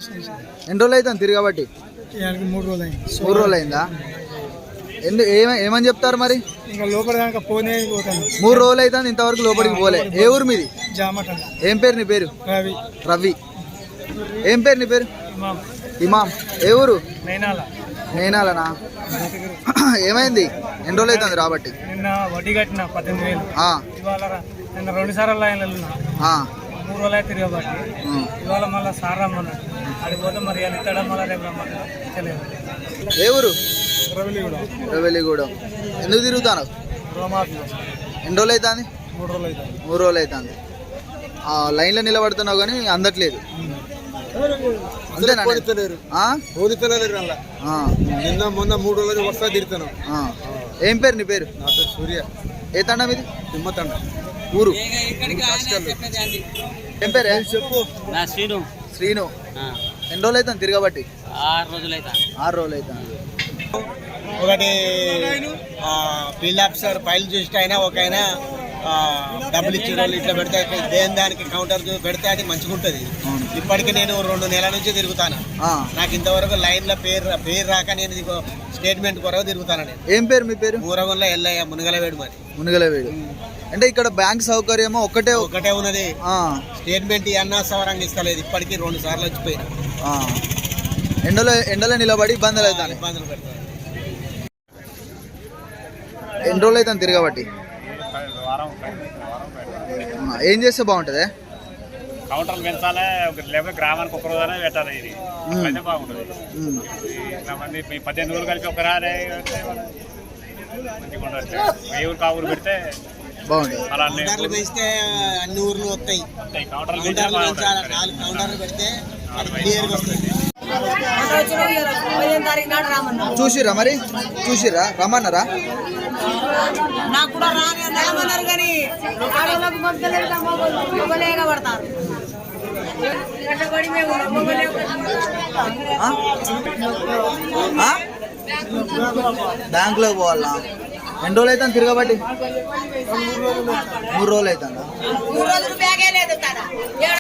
ఎన్ని రోజులు అవుతుంది తిరగబట్టి? 3 రోజులు అయిందా? ఏమని చెప్తారు మరి? ఇంకా లోపల దాకా పోనే పోతాను. 3 రోజులు అవుతుంది ఇంతవరకు లోపలికి పోలే. ఏ ఊరు మీది? జామట. ఏం పేరు నీ పేరు? రవి. రవి. ఏం పేరు నీ పేరు? ఇమాం. ఏ ఊరు? నేనాలనా? ఏమైంది? ఎన్ని రోజులు అవుతుంది రాబట్టి? నిన్న వడ్డీ కట్టిన 18,000. ఇవాళ నిన్న 2 సార్లు లైన్లు 3 రోజులు అయితే తిరగబట్టి ఇవాళ మళ్ళీ సార్ రమ్మన్నాడు. అడిగిపోతే మరి ఇస్తాడా మళ్ళీ రేపు రమ్మన్నాడు. తెలియదు. ఏ ఊరు? రవెలిగూడెం. ఎందుకు తిరుగుతాను? ఎన్ని రోజులు అవుతుంది? 3 రోజులు అవుతుంది. లైన్లో నిలబడుతున్నావు కానీ అందట్లేదు. నిన్న మొన్న 3 రోజులు వస్తా తిరుగుతాను. ఏం పేరు నీ పేరు? నా పేరు సూర్య. ఏ తండ మీది? తిమ్మతండ. ఊరు? ఏం పేరు? చెప్పు. శ్రీను. శ్రీను. ఎన్ని రోజులు అవుతుంది తిరగబట్టి? 6 రోజులు అవుతుంది. 6 రోజులు అవుతుంది. ఒకటి ఫీల్డ్ ఆఫీసర్ ఫైల్ చూసి అయినా ఒక ఆయన డబ్బులు ఇచ్చే వాళ్ళు ఇట్లా పెడితే దేని దానికి కౌంటర్ పెడితే అది మంచిగా ఉంటుంది. ఇప్పటికి నేను 2 నెలల నుంచి తిరుగుతాను. నాకు ఇంతవరకు లైన్లో పేరు రాక నేను స్టేట్మెంట్ కొరకు తిరుగుతాను. నేను. ఏం పేరు మీ పేరు? ఊరగంలో ఎల్లయ్య మునగలవేడు. మరి మునగలవేడు అంటే ఇక్కడ బ్యాంక్ సౌకర్యమో ఒకటే ఉన్నది. స్టేట్మెంట్ అన్నా సవరంగా ఇస్తలేదు. ఇప్పటికి 2 సార్లు వచ్చిపోయినా. ఎండలో నిలబడి ఇబ్బందులు అవుతాయి. పెడతాను. ఎన్ని రోజులు అవుతుంది తిరగబట్టి? ఏం చేస్తే బాగుంటుంది? కౌంటర్లు పెంచాలి. లేకపోతే గ్రామానికి 1 రోజు పెట్టాలి. ఇది అయితే బాగుంటుంది. మంది 18 ఊరు కలిపి ఒక రాలే మంచిగా ఉండదు. ఏ ఊరు ఊరు పెడితే బాగుంటుంది. అలా పెంచితే అన్ని ఊర్లు వస్తాయి. కౌంటర్లు పెడితే చూసిరా మరి? చూసిరా? రమ్మన్నారా? నాకు కూడా రామన్నారు కానీ పడతారు. బ్యాంకులోకి పోవాలా? ఎన్ని రోజులు అవుతుంది తిరగబట్టి? 3 రోజులు అవుతుందా? 3 రోజులు బ్యాగే లేదు కదా.